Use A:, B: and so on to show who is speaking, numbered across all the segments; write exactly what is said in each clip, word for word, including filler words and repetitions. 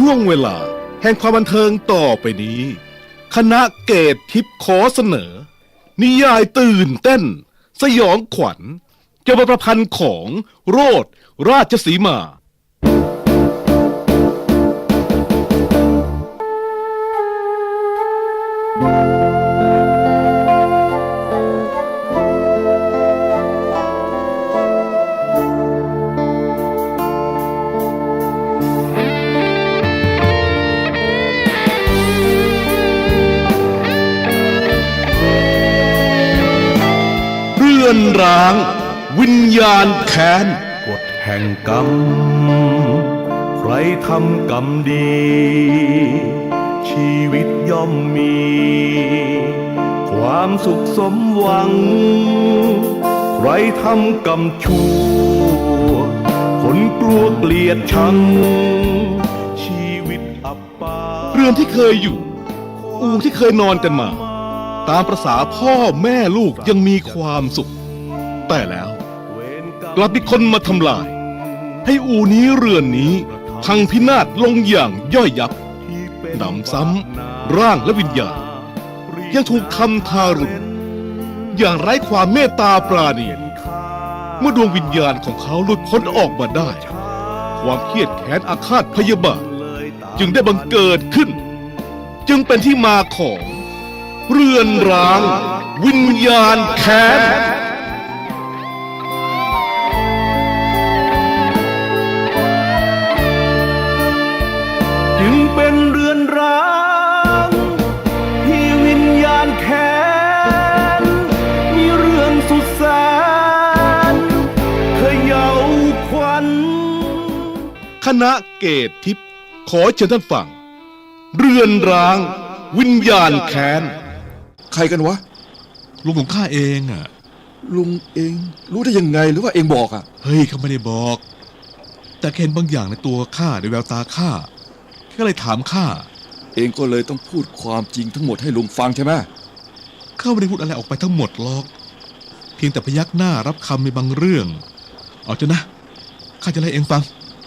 A: ช่วงเวลาแห่งความบันเทิงต่อไปนี้คณะเกตทิพย์ขอเสนอนิยายตื่นเต้นสยองขวัญเกี่ยวกับประพันธ์ของโรสราชสีมาเรือนร้างวิญญาณแค้น
B: กฎแห่งกรรมใครทำกรรมดีชีวิตย่อมมีความสุขสมหวังใครทำกรรมชั่วคนกลัวเกลียดชังชีวิตอับปาง
A: เรือนที่เคยอยู่อู่ที่เคยนอนกันมาตามประสาพ่อแม่ลูกยังมีความสุขแต่แล้วกลับมีคนมาทำลายให้อู่นี้เรือนนี้พังพินาศลงอย่างย่อยยับหนำซ้ำร่างและวิญญาณยังถูกทำทารุณอย่างไร้ความเมตตาปราณีเมื่อดวงวิญญาณของเขาหลุดพ้นออกมาได้ความเครียดแค้นอาฆาตพยาบาทจึงได้บังเกิดขึ้นจึงเป็นที่มาของเรือนร้างวิญญาณแค้น
B: จึงเป็นเรือนร้างที่วิญญาณแค้นมีเรื่องสุดแสนเขย่าขวัญ
A: คณะเกตทิพย์ขอเชิญท่านฟังเรือนร้างวิญญาณแค้น
C: ใครกันวะ
D: ลุงของข้าเองอ่ะ
C: ลุงเองรู้ได้ยังไงหรือว่าเองบอกอ่ะ
D: เฮ้ยเขาไม่ได้บอกแต่เห็นบางอย่างในตัวข้าในแววตาข้าก็เลยถามข้า
C: เองก็เลยต้องพูดความจริงทั้งหมดให้ลุงฟังใช่ไหม
D: ข้าไม่ได้พูดอะไรออกไปทั้งหมดหรอกเพียงแต่พยักหน้ารับคำในบางเรื่องเอาเถอะนะข้าจะเล่าเองฟัง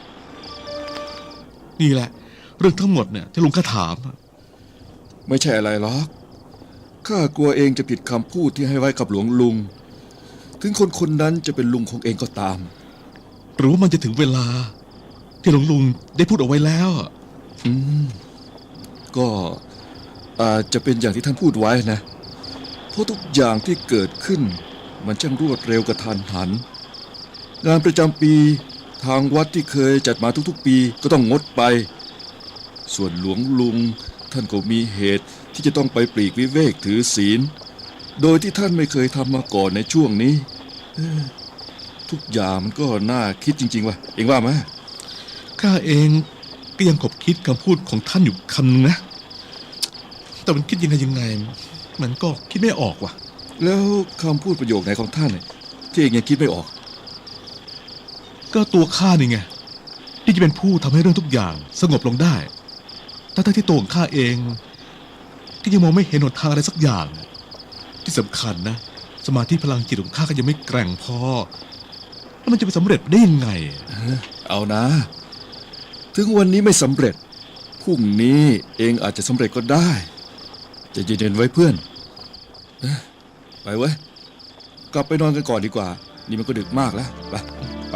D: นี่แหละเรื่องทั้งหมดเนี่ยที่ลุงข้าถาม
C: ไม่ใช่อะไรหรอกข้ากลัวเองจะผิดคำพูดที่ให้ไว้กับหลวงลุงถึงคนคนนั้นจะเป็นลุงของเองก็ตาม
D: หรือว่ามันจะถึงเวลาที่หลวงลุงได้พูดเอาไว้แล้ว
C: อืมก็อาจจะเป็นอย่างที่ท่านพูดไว้นะเพราะทุกอย่างที่เกิดขึ้นมันช่างรวดเร็วกระทันหันงานประจำปีทางวัดที่เคยจัดมาทุกๆปีก็ต้องงดไปส่วนหลวงลุงท่านก็มีเหตุที่จะต้องไปปลีกวิเวกถือศีลโดยที่ท่านไม่เคยทำมาก่อนในช่วงนี้ทุกอย่างมันก็น่าคิดจริงๆว่ะเองว่าไหม
D: ข้าเองก็ยังขบคิดคำพูดของท่านอยู่คำนึงนะแต่มันคิดยังไงยังไงมันก็คิดไม่ออกว่ะ
C: แล้วคำพูดประโยคไหนของท่านที่เองยังคิดไม่ออก
D: ก็ตัวข้านี่ไงที่จะเป็นผู้ทำให้เรื่องทุกอย่างสงบลงได้ทั้งที่ตัวของข้าเองที่ยังมองไม่เห็นหนทางอะไรสักอย่างที่สำคัญนะสมาธิพลังจิตของข้าก็ยังไม่แกร่งพอแล้วมันจะไปสำเร็จได้ยังไง
C: เอานะถึงวันนี้ไม่สำเร็จพรุ่งนี้เองอาจจะสำเร็จก็ได้จะเย็นๆไว้เพื่อนไปเว้ยกลับไปนอนกันก่อนดีกว่านี่มันก็ดึกมากแล้วไปไป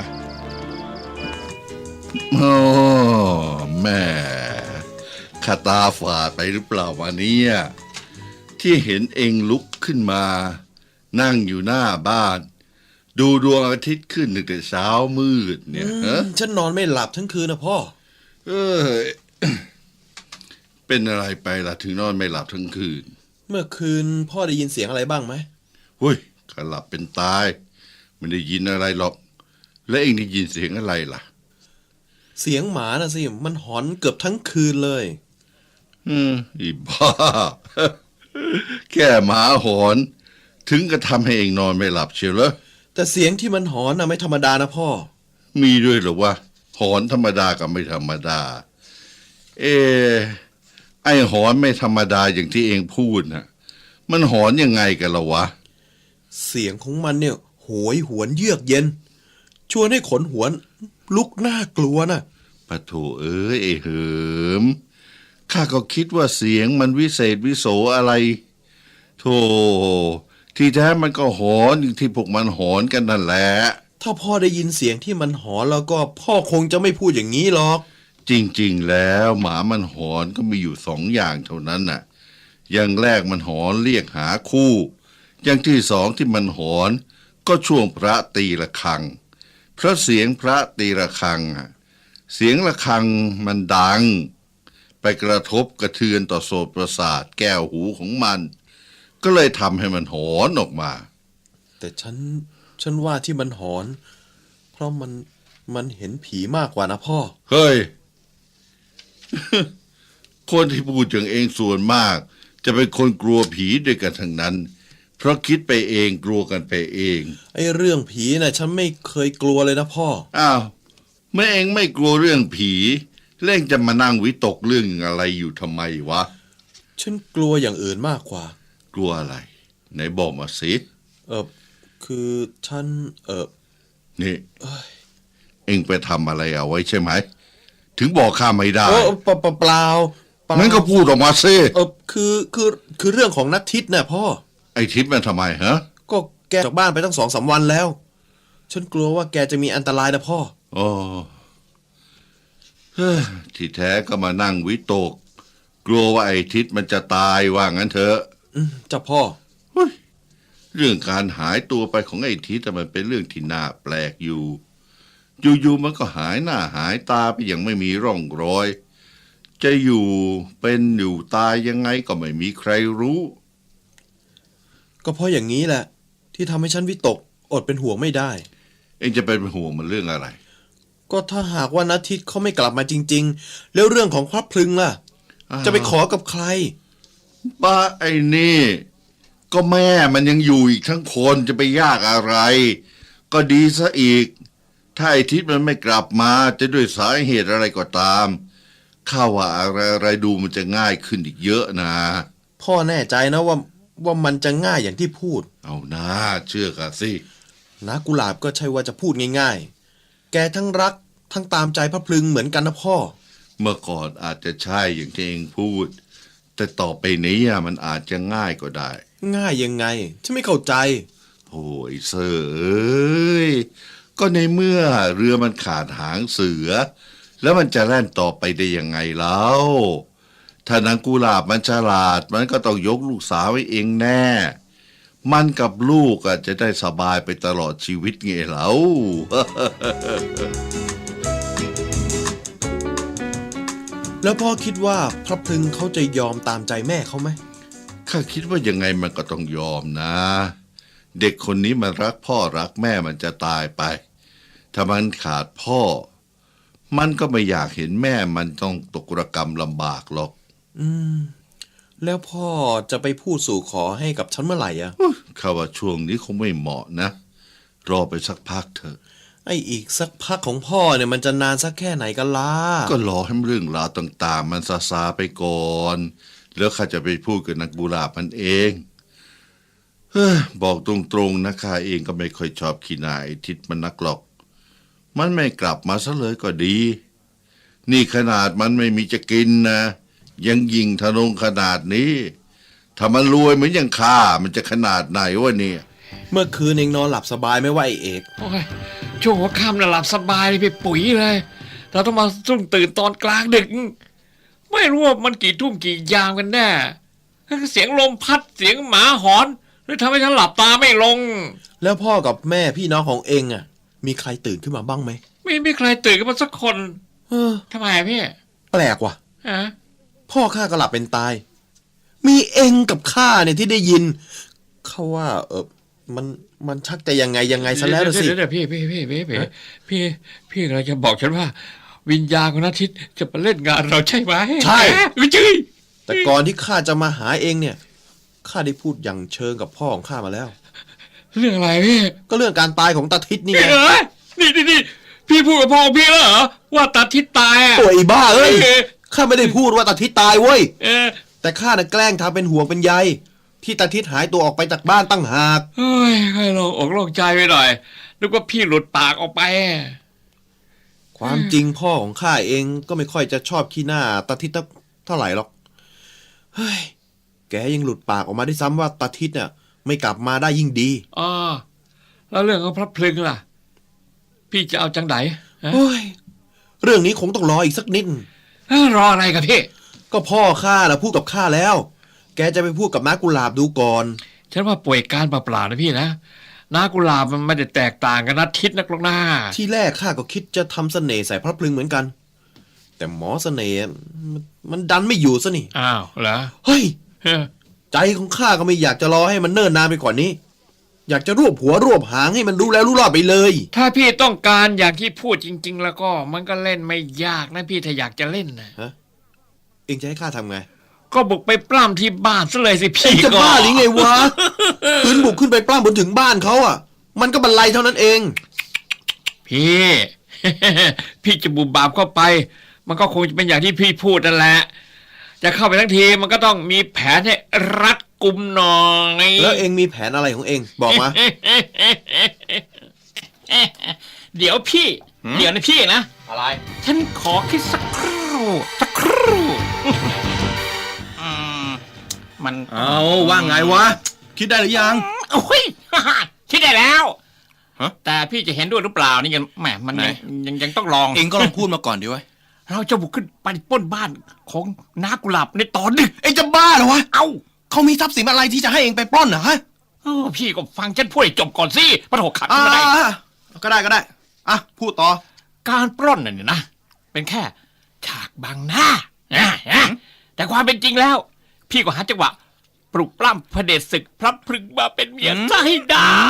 E: โอ้แม่ข้าตาฝาดไปหรือเปล่าวันนี้ที่เห็นเองลุกขึ้นมานั่งอยู่หน้าบ้านดูดวงอาทิตย์ขึ้นตั้งแต่เช้ามืดเนี่ยฮะ
F: ฉันนอนไม่หลับทั้งคืนนะพ่อ
E: เออ เป็นอะไรไปล่ะถึงนอนไม่หลับทั้งคืน
F: เมื่อคืนพ่อได้ยินเสียงอะไรบ้างไหม
E: เฮ้ยข้าหลับเป็นตายไม่ได้ยินอะไรหรอกแล้วเองได้ยินเสียงอะไรล่ะ
F: เสียงหมาน่ะสิมันหอนเกือบทั้งคืนเลย
E: อืมอีบ้า แค่หมาหอนถึงกระทำให้เองนอนไม่หลับเชียวเหรอ
F: แต่เสียงที่มันหอนน่ะไม่ธรรมดานะพ่อ
E: มีด้วยเหรอวะหอนธรรมดากับไม่ธรรมดาเอไอหอนไม่ธรรมดาอย่างที่เองพูดน่ะมันหอนยังไงกันล่ะวะ
F: เสียงของมันเนี่ยโหยหวนเยือกเย็นชวนให้ขนหัวลุกน่ากลัวน่ะ
E: ปะโถเอ้ยไอ้เหิมข้าก็คิดว่าเสียงมันวิเศษวิโสอะไรโธ่ที่แท้มันก็หอนอย่างที่พวกมันหอนกันนั่นแหละ
F: ถ้าพ่อได้ยินเสียงที่มันหอนแล้วก็พ่อคงจะไม่พูดอย่างนี้หรอก
E: จริงๆแล้วหมามันหอนก็มีอยู่สองอย่างเท่านั้นน่ะอย่างแรกมันหอนเรียกหาคู่อย่างที่สองที่มันหอนก็ช่วงพระตีระฆังเพราะเสียงพระตีระฆังอะเสียงระฆังมันดังไปกระทบกระเทือนต่อโสตประสาทแก้วหูของมัน ก็เลยทำให้มันหอนออกมา
F: แต่ฉันฉันว่าที่มันหอน เพราะมันมันเห็นผีมากกว่านะพ่อ
E: เฮ้ย คนที่พูดอย่างเองส่วนมาก จะเป็นคนกลัวผีด้วยกันทั้งนั้น เพราะคิดไปเองกลัวกันไปเอง
F: ไอ้เรื่องผีน่ะฉันไม่เคยกลัวเลยนะพ่อ
E: อ้าวเมื่อเองไม่กลัวเรื่องผีเล่งจะมานั่งวิตกเรื่องอะไรอยู่ทำไมวะ
F: ฉันกลัวอย่างอื่นมากกว่า
E: กลัวอะไรไหนบอกมาสิ
F: เออคือฉันเออ
E: นี่เองไปทำอะไรเอาไว้ใช่ไหมถึงบอกข้าไม่ได้
F: เออเปล่าเปล่าเปล่าเปล่า
E: งั้นก็พูดออกมาสิ
F: เออคือคือคือเรื่องของนัททิศน่ะพ่อ
E: ไอ้ทิศมันทำไมฮะ
F: ก็แกจากบ้านไปตั้งสองสามวันแล้ว ฉันกลัวว่าแกจะมีอันตรายนะพ่อ
E: อ๋อเฮ้ยที่แท้ก็มานั่งวิตก กลัวว่าไอ้ทิศมันจะตายว่างั้นเถอะ
F: อืมจ้ะพ่อ
E: เฮ้ยเรื่องการหายตัวไปของไอ้ทิศแต่มันเป็นเรื่องที่น่าแปลกอยู่ อยู่ๆมันก็หายหน้าหายตาไปอย่างไม่มีร่องรอย จะอยู่เป็นอยู่ตายยังไงก็ไม่มีใครรู้
F: ก็เพราะอย่างนี้แหละ ที่ทำให้ฉันวิตกอดเป็นห่วงไม่ได้
E: เองจะเป็นห่วงมันเรื่องอะไร
F: ก็ถ้าหากว่านัททิศเขาไม่กลับมาจริง ๆ แล้วเรื่องของพระพลึงล่ะ
E: อ้าว
F: จะไปขอกับใคร
E: ป้าไอ้นี่ ก็แม่มันยังอยู่อีกทั้งคนจะไปยากอะไร ก็ดีซะอีก ถ้าไอ้ทิศมันไม่กลับมาจะด้วยสาเหตุอะไรก็ตามข้าว่าอะไรอะไรดูมันจะง่ายขึ้นอีกเยอะนะ
F: พ่อแน่ใจนะว่าว่ามันจะง่ายอย่างที่พูด
E: เอานะเชื่อข้าสิ
F: นะกุหลาบก็ใช่ว่าจะพูดง่ายๆ แกทั้งรักทั้งตามใจพระพลึงเหมือนกันนะพ่อ
E: เมื่อก่อนอาจจะใช่อย่างที่เองพูด แต่ต่อไปนี้อะมันอาจจะง่ายก็ได้
F: ง่ายยังไง ฉันไม่เข้าใจ
E: โอ้ยเสอเอ้ยก็ในเมื่อเรือมันขาดหางเสือ แล้วมันจะแล่นต่อไปได้ยังไงแล้วถ้านางกุหลาบมันฉลาดมันก็ต้องยกลูกสาวไว้เองแน่ มันกับลูกอะจะได้สบายไปตลอดชีวิตไงแล้ว
F: แล้วพ่อคิดว่าพระพลึงเขาจะยอมตามใจแม่เขาไหม
E: ข้าคิดว่ายังไงมันก็ต้องยอมนะ เด็กคนนี้มันรักพ่อรักแม่มันจะตายไป ถ้ามันขาดพ่อ มันก็ไม่อยากเห็นแม่มันต้องตกระกรรมลำบากหรอก
F: อืม แล้วพ่อจะไปพูดสู่ขอให้กับฉันเมื่อไหร่อะ
E: ข้าว่าช่วงนี้คงไม่เหมาะนะ รอไปสักพักเถอะ
F: ไออีกสักพักของพ่อเนี่ยมันจะนานสักแค่ไหนกันล่ะ
E: ก็รอให้เรื่องราวต่างๆ มันซาซาไปก่อน แล้วข้าจะไปพูดกับนักกุหลาบมันเองเฮ้ยบอกตรงๆนะข้าเองก็ไม่ค่อยชอบขี้หน้าไอ้ทิศมันนักหรอก มันไม่กลับมาซะเลยก็ดี นี่ขนาดมันไม่มีจะกินนะ ยังยิงทะนงขนาดนี้ ถ้ามันรวยเหมือนอย่างข้ามันจะขนาดไหนวะเนี่ย
F: เมื่อคืนเองนอนหลับสบายไหม่ว่าไอเอก
G: โอ้ยช่วงหัวค่ำน่ะหลับสบายเลยพี่ปุ๋ยเลย เราต้องมาสุ่งตื่นตอนกลางดึก ไม่รู้ว่ามันกี่ทุ่มกี่ยามกันแน่เสียงลมพัดเสียงหมาหอนเลยทำให้ฉันหลับตาไม่ลง
F: แล้วพ่อกับแม่พี่น้องของเองอ่ะ มีใครตื่นขึ้นมาบ้างไหม
G: ไม่มีใครตื่นกันมาสักคน
F: เออ
G: ทำไมอะพี่
F: แปลกว่ะ
G: ฮะ
F: พ่อข้าก็หลับเป็นตาย มีเองกับข้าเนี่ยที่ได้ยินเขาว่า เออมันมันชักจะยังไงยังไงซะแล้วล่ะสิ
G: เดี๋ยวเดี๋ยวพี่พี่พี่พี่พี่พี่พี่กำลังจะบอกฉันว่า วิญญาณของนัททิศจะมาเล่นงานเราใช่ไหม
F: ใช่
G: ไม่ใช่
F: แต่ก่อนที่ข้าจะมาหาเองเนี่ยข้าได้พูดอย่างเชิงกับพ่อของข้ามาแล้ว
G: เรื่องอะไรพี่
F: ก็เรื่องการตายของตาทิศนี่ไง
G: เอ้ยนี่นี่นี่พี่พูดกับพ่อพี่แล้วเหรอว่าตาทิศตายอ่ะ
F: โอ้ยบ้าเอ้ย
G: เออ
F: ข้าไม่ได้พูดว่าตาทิศตายเว้ย
G: เออ
F: แต่ข้าน่ะแกล้งทำเป็นห่วงเป็นใยที่ตาทิศหายตัวออกไปจากบ้านตั้งหาก
G: เฮ้ยให้โลงอกโล่งใจไปหน่อยนึกว่าพี่หลุดปากออกไป
F: ความจริงพ่อของข้าเองก็ไม่ค่อยจะชอบขี้หน้าตาทิศเท่าไหร่หรอกเฮ้ยแกยังหลุดปากออกมาได้ซ้ำว่าตาทิศเนี่ยไม่กลับมาได้ยิ่งดี
G: อ๋อแล้วเรื่องของพระพลึงล่ะ พี่จะเอาจังไดฮะ
F: โอ้ยเรื่องนี้คงต้องรออีกสักนิด
G: เอ้อรออะไรกับพี่
F: ก็พ่อข้าน่ะพูดกับข้าแล้ว แกจะไปพูดกับน้ากุหลาบดูก่อน
G: ฉันว่าป่วยการเปล่าๆนะพี่นะนากุหลาบมันไม่ได้แตกต่างกันนะทิศนักหรอกนะ
F: ที่แรกข้าก็คิดจะทำเสน่ห์ใส่พระพลึงเหมือนกัน แต่หมอเสน่ห์มันมันดันไม่อยู่ซะนี่
G: อ้าวเหรอ
F: เฮ้ย
G: เฮ้อ
F: ใจของข้าก็ไม่อยากจะรอให้มันเนิ่นนานไปกว่านี้ อยากจะรวบหัวรวบหางให้มันรู้แล้วรู้รอดไปเลย
G: ถ้าพี่ต้องการอย่างที่พูดจริง ๆ แล้วก็มันก็เล่นไม่ยากนะพี่ถ้าอยากจะเล่นนะ
F: เองจะให้ข้าทำไง
G: ก็บุกไปปล้ำที่บ้านซะเลยสิ
F: เอ
G: พี่
F: งจะ
G: ก็
F: บ้าหรือไงวะ พื้นบุกขึ้นไปปล้ำบนถึงบ้านเขาอ่ะ มันก็บรรลัยเท่านั้นเอง
G: พี่ พี่จะบุบบาบเข้าไป มันก็คงจะเป็นอย่างที่พี่พูดนั่นแหละ จะเข้าไปทั้งทีมันก็ต้องมีแผนให้รัดกุมหน่อย
F: แล้วเองมีแผนอะไรของเองบอกมา
G: เดี๋ยวพี่ เดี๋ยวนะพี่นะ
F: อะไร
G: ฉันขอคิดสักครู่สักครู่
H: อืมมัน
B: เอาว่าไงวะ คิดได้หรือยัง
H: โอ้ย คิดได้แล้ว
B: ฮะ
H: แต่พี่จะเห็นด้วยหรือเปล่านี่ยังแหมมันยังยังยังต้องลอง
B: เองก็ลองพูดมาก่อนดิวะ
H: เราจะบุกขึ้นไปปล้นบ้านของน้ากุหลาบในตอนดึก
B: เองจะบ้าเหรอวะ
H: เอ้า
B: เขามีทรัพย์สินอะไรที่จะให้เองไปปล้นเหรอฮะ
H: เออพี่ก็ฟังฉันพูดให้จบก่อนสิปะโถขัด
B: อ่า
H: ไม่ได้
B: ก็ได้ก็ได้ อ่ะ พูดต่อ
H: การปล้นน่ะเนี่ยนะ เป็นแค่ฉากบังหน้านะนะแต่ความเป็นจริงแล้ว พี่ก็หาจังหวะปลุกปล้ำพระเดชศึกพระพรึงมาเป็นเมียซะให้ได้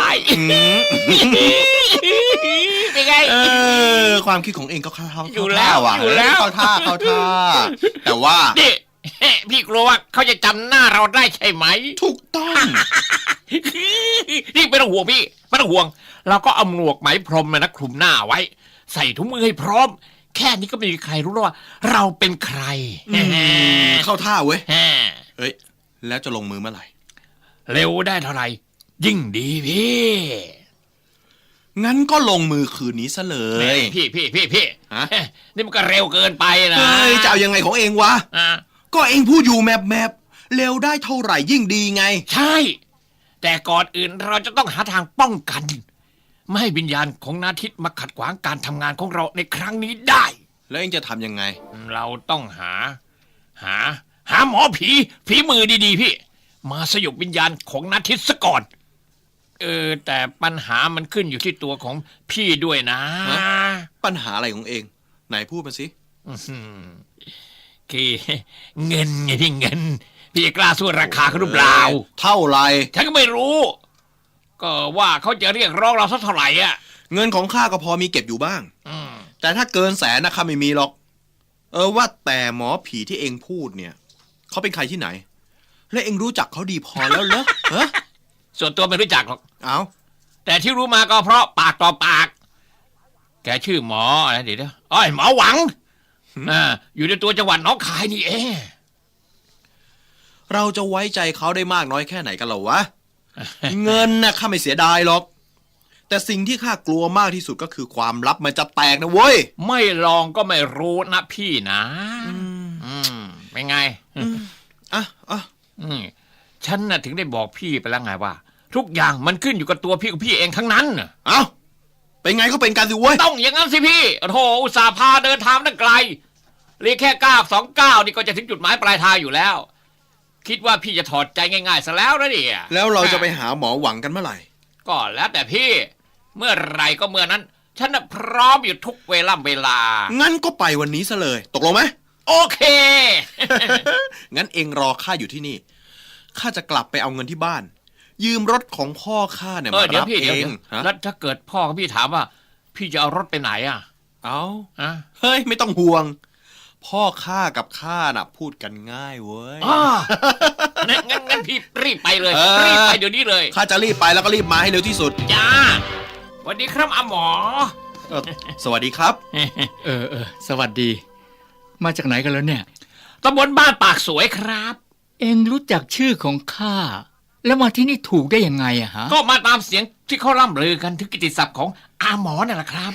H: เป็นไง
B: เออ ความคิดของเองก็เข้าท่า
H: อยู่แล้ว
B: เข้าท่าว่ะ
H: อยู่แล้ว
B: เข้าท่าเข้าท่า แต่ว่า
H: นี่ พี่กลัวว่าเขาจะจำหน้าเราได้ใช่ไหม
B: ถูกต้อง
H: นี่ไม่ต้องห่วงพี่ไม่ต้องห่วง เราก็เอาหมวกไหมพรมนะคลุมหน้าไว้ ใส่ถุงมือให้พร้อม แค่นี้ก็ไม่มีใครรู้แล้วว่า เราเป็นใคร
B: เข้าท่าเว้ย
H: แฮ่
B: เฮ้ย แล้วจะลงมือเมื่อไหร่
H: เร็วได้เท่าไหร่ ยิ่งดีพี่
B: งั้นก็ลงมือคืนนี้ซะเลย
H: พี่พี่พี่พี่
B: ฮะ
H: นี่มันก็เร็วเกินไปนะ
B: เฮ้ย จะเอายังไงของเองวะ
H: อ่ะ
B: ก็เองพูดอยู่แมบแมบเร็วได้เท่าไหร่ยิ่งดีไง
H: ใช่ แต่ก่อนอื่นเราจะต้องหาทางป้องกัน ไม่ให้วิญญาณของนาทิตมาขัดขวางการทำงานของเราในครั้งนี้ได้
B: แล้วเองจะทำยังไง
H: เราต้องหา หา หาหมอผีฝีมือดีๆพี่ มาสยบวิญญาณของนาทิตซะก่อน เออ แต่ปัญหามันขึ้นอยู่ที่ตัวของพี่ด้วยนะ
B: ฮะ ปัญหาอะไรของเอง ไหนพูดมาสิ
H: อื้อหือคือเงินไงพี่เงิน พี่จะกล้าสู้ราคาเขาหรือเปล่า
B: เท่าไหร
H: ฉันก็ไม่รู้ ก็ว่าเขาจะเรียกร้องเราสักเท่าไหร่อ่ะ
B: เงินของข้าก็พอมีเก็บอยู่บ้าง
H: อืม
B: แต่ถ้าเกินแสนนะข้าไม่มีหรอก เออว่าแต่หมอผีที่เองพูดเนี่ย เขาเป็นใครที่ไหน และเองรู้จักเขาดีพอแล้วเหรอเฮ้
H: ส่วนตัวไม่รู้จักหรอก
B: เอา
H: แต่ที่รู้มาก็เพราะปากต่อปาก แกชื่อหมออะไรเดี๋ยวเดี๋ยวอ้อยหมอหวังอ่าอยู่ในตัวจังหวัดหนองคายนี่เอง
B: เราจะไว้ใจเขาได้มากน้อยแค่ไหนกันเหรอวะ เงินน่ะข้าไม่เสียดายหรอก แต่สิ่งที่ข้ากลัวมากที่สุดก็คือความลับมันจะแตกนะเว้ย
H: ไม่ลองก็ไม่รู้นะพี่นะอืมเป็นไง
B: อ่ะอ่ะ
H: อืมฉันน่ะถึงได้บอกพี่ไปแล้วไงว่า ทุกอย่างมันขึ้นอยู่กับตัวพี่กับพี่เองทั้งนั้นน่ะ
B: เอาเป็นไงก็เป็นกันสิเว้ย
H: ต้องอย่างนั้นสิพี่โธ่อุตส่าห์พาเดินทางตั้งไกลเรียกแค่ก้าวสองก้าวนี่ก็จะถึงจุดหมายปลายทางอยู่แล้ว คิดว่าพี่จะถอดใจง่ายๆซะแล้วนะเนี่ย
B: แล้วเราจะไปหาหมอหวังกันเมื่อไหร่
H: ก็แล้วแต่พี่ เมื่อไหรก็เมื่อนั้น ฉันน่ะพร้อมอยู่ทุกเวลาเวลา
B: งั้นก็ไปวันนี้ซะเลย ตกลงไหม
H: โอเค
B: งั้นเองรอข้าอยู่ที่นี่ ข้าจะกลับไปเอาเงินที่บ้าน ยืมรถของพ่อข้าเนี่ย
H: เออ
B: มา
H: เดี๋ยว
B: รับ
H: พี่
B: เอ
H: เดี๋ยว
B: ง
H: เดี๋ยว
B: ฮะ
H: แล้วถ้าเกิดพ่อกับพี่ถามว่า พี่จะเอารถไปไหนอ่ะ
B: เอา
H: อะ
B: เฮ้ยไม่ต้องห่วง พ่อข้ากับข้าน่ะ พูดกันง่ายเว้ย
H: อ๋องั้นงั้นงั้นพี่รีบไปเลย
B: เออ
H: รีบไปเดี๋ยวนี้เลย
B: ข้าจะรีบไปแล้วก็รีบมาให้เร็วที่สุด
H: จ้าสวัสดีครับอาหมอ
B: เออสวัสดีครับ
I: เออเออสวัสดี มาจากไหนกันแล้วเนี่ย
H: ตำบลบ้านปากสวยครับ
I: เองรู้จักชื่อของข้าแล้วมาที่นี่ถูกได้ยังไงอะฮะ
H: ก็มาตามเสียงที่เขาล่ำลือกันถึงกิตติศัพท์ของอาหมอนั่นแหละครับ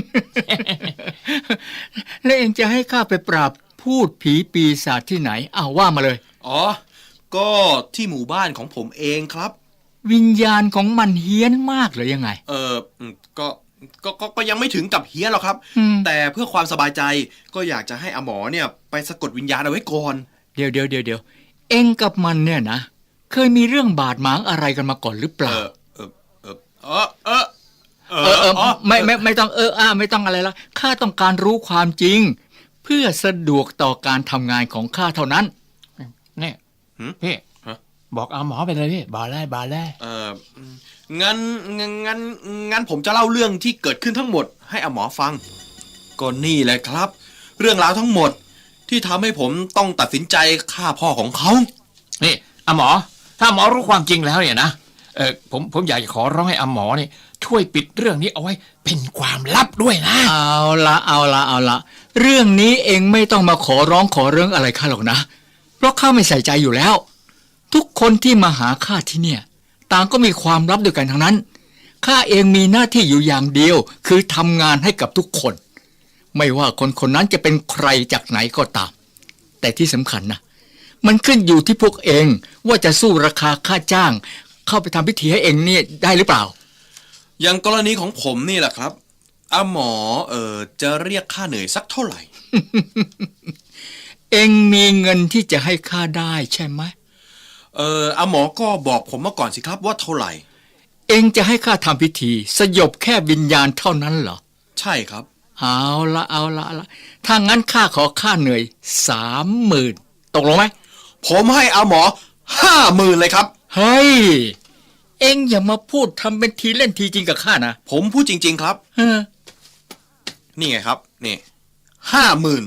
I: แล้วเองจะให้ข้าไปปราบพูดผีปีศาจที่ไหนอ้าวว่ามาเลย
F: อ๋อ ก็ที่หมู่บ้านของผมเองครับ
I: วิญญาณของมันเฮี้ยนมากเลยยังไง
F: เอออืมก็ก็ก็ก็ยังไม่ถึงกับเฮี้ยนหรอกครับ
I: อืม
F: แต่เพื่อความสบายใจก็อยากจะให้อาหมอเนี่ยไปสะกดวิญญาณเอาไว้ก่อน
I: เดี๋ยวเดี๋ยวเดี๋ยวเดี๋ยวเองกับมันเนี่ยนะเคยมีเรื่องบาดหมางอะไรกันมาก่อนหรือเป
F: เอ
I: ล่า
F: อเออเออเออเออเอ
I: เออเออ
F: อ
I: ไม่ไม่ไม่ต้องเอออ่าไม่ต้องอะไรละข้าต้องการรู้ความจริง เพื่อสะดวกต่อการทำงานของข้าเท่านั้น
H: นี่พี่บอกอาหมอไปเลยพี่บาได้บาได้
F: เอองั้นงั้นงั้นงั้นผมจะเล่าเรื่องที่เกิดขึ้นทั้งหมดให้อาหมอฟังก็นี่แหละครับ เรื่องราวทั้งหมดที่ทำให้ผมต้องตัดสินใจฆ่าพ่อของเขา
H: นี่อาหมอ ถ้าหมอรู้ความจริงแล้วเนี่ยนะเออผมผมอยากจะขอร้องให้อาหมอนี่ช่วยปิดเรื่องนี้เอาไว้เป็นความลับด้วยนะ
I: เอาละเอาละเอาละเรื่องนี้เองไม่ต้องมาขอร้องขอเรื่องอะไรข้าหรอกนะเพราะข้าไม่ใส่ใจอยู่แล้ว ทุกคนที่มาหาข้าที่เนี่ยต่างก็มีความลับด้วยกันทั้งนั้นข้าเองมีหน้าที่อยู่อย่างเดียวคือทำงานให้กับทุกคน ไม่ว่าคนคนนั้นจะเป็นใครจากไหนก็ตาม แต่ที่สำคัญนะมันขึ้นอยู่ที่พวกเองว่าจะสู้ราคาค่าจ้าง เข้าไปทำพิธีให้เองเนี่ยได้หรือเปล่า
F: อย่างกรณีของผมนี่แหละครับอาหมอเออจะเรียกค่าเหนื่อยสักเท่าไหร่
I: เองมีเงินที่จะให้ข้าได้ใช่ไหม
F: เอออาหมอก็บอกผมมาก่อนสิครับว่าเท่าไหร่
I: เองจะให้ข้าทำพิธีสยบแค่วิญญาณเท่านั้นเหรอ
F: ใช่ครับ
I: เอาละเอาละเอาละถ้างั้นข้าขอค่าเหนื่อยสามหมื่นตกลงไหม
F: ผมให้อาหมอห้าหมื่นเลยครับ
I: เฮ้ยเองอย่ามาพูดทำเป็นทีเล่นทีจริงกับข้านะ
F: ผมพูดจริง ๆครับ
I: เออ
F: นี่ไงครับนี่ห้าหมื่น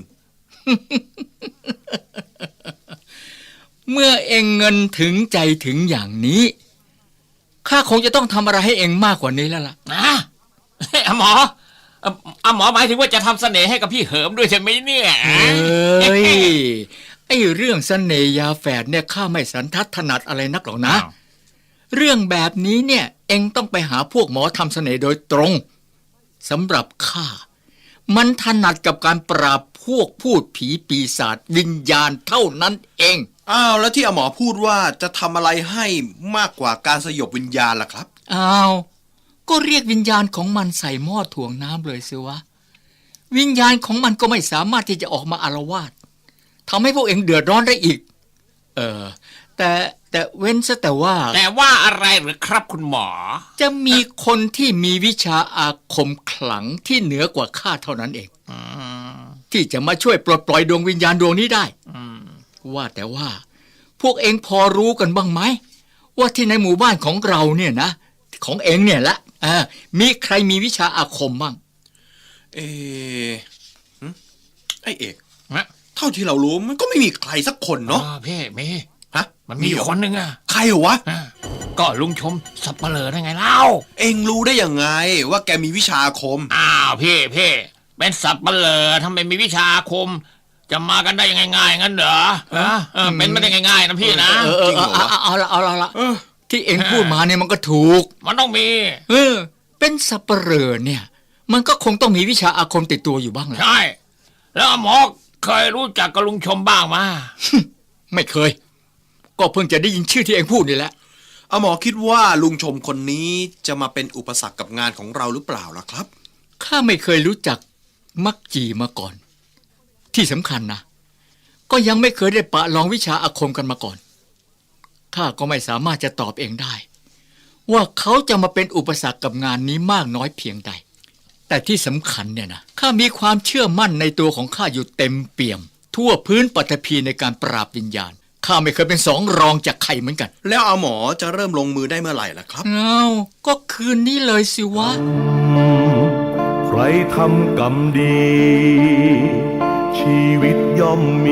I: เมื่อเองเงินถึงใจถึงอย่างนี้ข้าคงจะต้องทำอะไรให้เองมากกว่านี้แล้วล่ะ
H: นะอาหมอเอ่ออาหมอหมายถึงว่าจะทำเสน่ห์ให้กับพี่เหิมด้วยใช่ไหมเนี่ย
I: เอ้ยไอ้เรื่องเสน่ห์ยาแฝดเนี่ยข้าไม่สันทัดถนัดอะไรนักหรอกนะ
H: อ้าว
I: เรื่องแบบนี้เนี่ยเองต้องไปหาพวกหมอทำเสน่ห์โดยตรงสำหรับข้ามันถนัดกับการปราบพวกพูดผีปีศาจวิญญาณเท่านั้นเอง
F: อ้าวแล้วที่อาหมอพูดว่าจะทำอะไรให้มากกว่าการสยบวิญญาณล่ะครับ
I: อ้าวก็เรียกวิญญาณของมันใส่หม้อถ่วงน้ำเลยสิวะวิญญาณของมันก็ไม่สามารถที่จะออกมาอาละวาดทำให้พวกเองเดือดร้อนได้อีก เออแต่แต่เว้นซะแต่ว่า
H: แต่ว่าอะไรหรือครับคุณหมอ
I: จะมีคนที่มีวิชาอาคมขลังที่เหนือกว่าข้าเท่านั้นเอง
H: อืม
I: ที่จะมาช่วยปลดปล่อยดวงวิญญาณดวงนี้ได้
H: อืม
I: ว่าแต่ว่า พวกเองพอรู้กันบ้างไหมว่าที่ในหมู่บ้านของเราเนี่ยนะของเองเนี่ยละอ่ามีใครมีวิชาอาคมบ้าง
F: เออหึไอเอก
H: นะ
F: เท่าที่เรารู้มันก็ไม่มีใครสักคนเนาะ
H: อ๋อพี่มี
F: ฮะ
H: มันมีอยู่
F: เหรอ
H: คนหนึ่งอะ
F: ใครเหรอวะ
H: อ่ะก็ลุงชมสับเปลือได้ไงเล่า
F: เอ็งรู้ได้ยังไงว่าแกมีวิชาอาคม
H: อ้าวพี่พี่เป็นสับเปลือทำไมมีวิชาอาคม จะมากันได้ยังไงง่ายงั้นเหรอฮะเออเป็นไม่ได้ง่ายๆนะพี่นะ
I: เออเอ
F: จริ
I: อง
F: เหรอ
I: เอา
F: วะ
I: เอาเอาละเอาละเอาละ
F: เออ
I: ที่เองพูดมาเนี่ยมันก็ถูก
H: มันต้องมี
I: เออ เป็นสับเปลอเนี่ย มันก็คงต้องมีวิชาอาคมติดตัวอยู่บ้างแหละ
H: ใช่ แล้วหมอเคยรู้จักกับลุงชมบ้างมา
I: ไม่เคย ก็เพิ่งจะได้ยินชื่อที่เองพูดนี่แหละ
F: อาหมอคิดว่าลุงชมคนนี้จะมาเป็นอุปสรรคกับงานของเราหรือเปล่าล่ะครับ
I: ข้าไม่เคยรู้จักมักจีมาก่อน ที่สำคัญนะก็ยังไม่เคยได้ปะลองวิชาอาคมกันมาก่อนข้าก็ไม่สามารถจะตอบเองได้ ว่าเขาจะมาเป็นอุปสรรคกับงานนี้มากน้อยเพียงใด แต่ที่สำคัญเนี่ยนะข้ามีความเชื่อมั่นในตัวของข้าอยู่เต็มเปี่ยม ทั่วพื้นปฐพีในการปราบวิญญาณข้าไม่เคยเป็นสองรองจากใครเหมือนกัน
F: แล้วอาหมอจะเริ่มลงมือได้เมื่อไหร่ล่ะครับ
I: เอาก็คืนนี้เลยสิวะ
B: ใครทำกรรมดี ชีวิตย่อมมี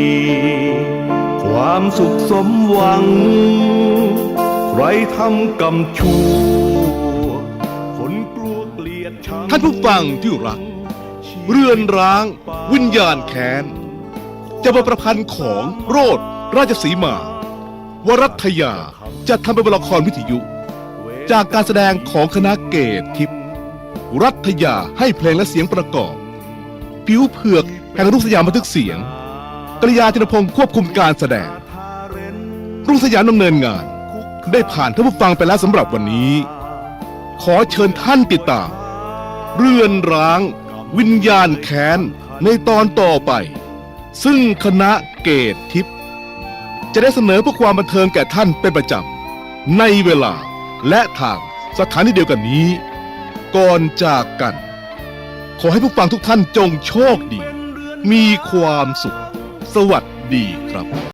B: ความสุขสมหวัง ใครทำกรรมชั่วคนกลัวเกลียดชัง
A: ท่านผู้ฟังที่รัก เรือนร้างวิญญาณแค้นจะบทประพันธ์ของโรดราชสีมาวรัตยาจะทำเป็นละครวิทยุ จากการแสดงของคณะเกตทิพย์รัตยาให้เพลงและเสียงประกอบผิวเผือกแห่งรุ่งสยามบันทึกเสียงกริยาธินพงศ์ควบคุมการแสดง รุ่งสยามดำเนินงาน ได้ผ่านท่านผู้ฟังไปแล้วสำหรับวันนี้ ขอเชิญท่านติดตาม เรือนร้าง วิญญาณแค้นในตอนต่อไป ซึ่งคณะเกตทิพย์จะได้เสนอเพื่อความบันเทิงแก่ท่านเป็นประจำในเวลาและทางสถานีเดียวกันนี้ ก่อนจากกัน ขอให้ผู้ฟังทุกท่านจงโชคดี มีความสุข สวัสดีครับ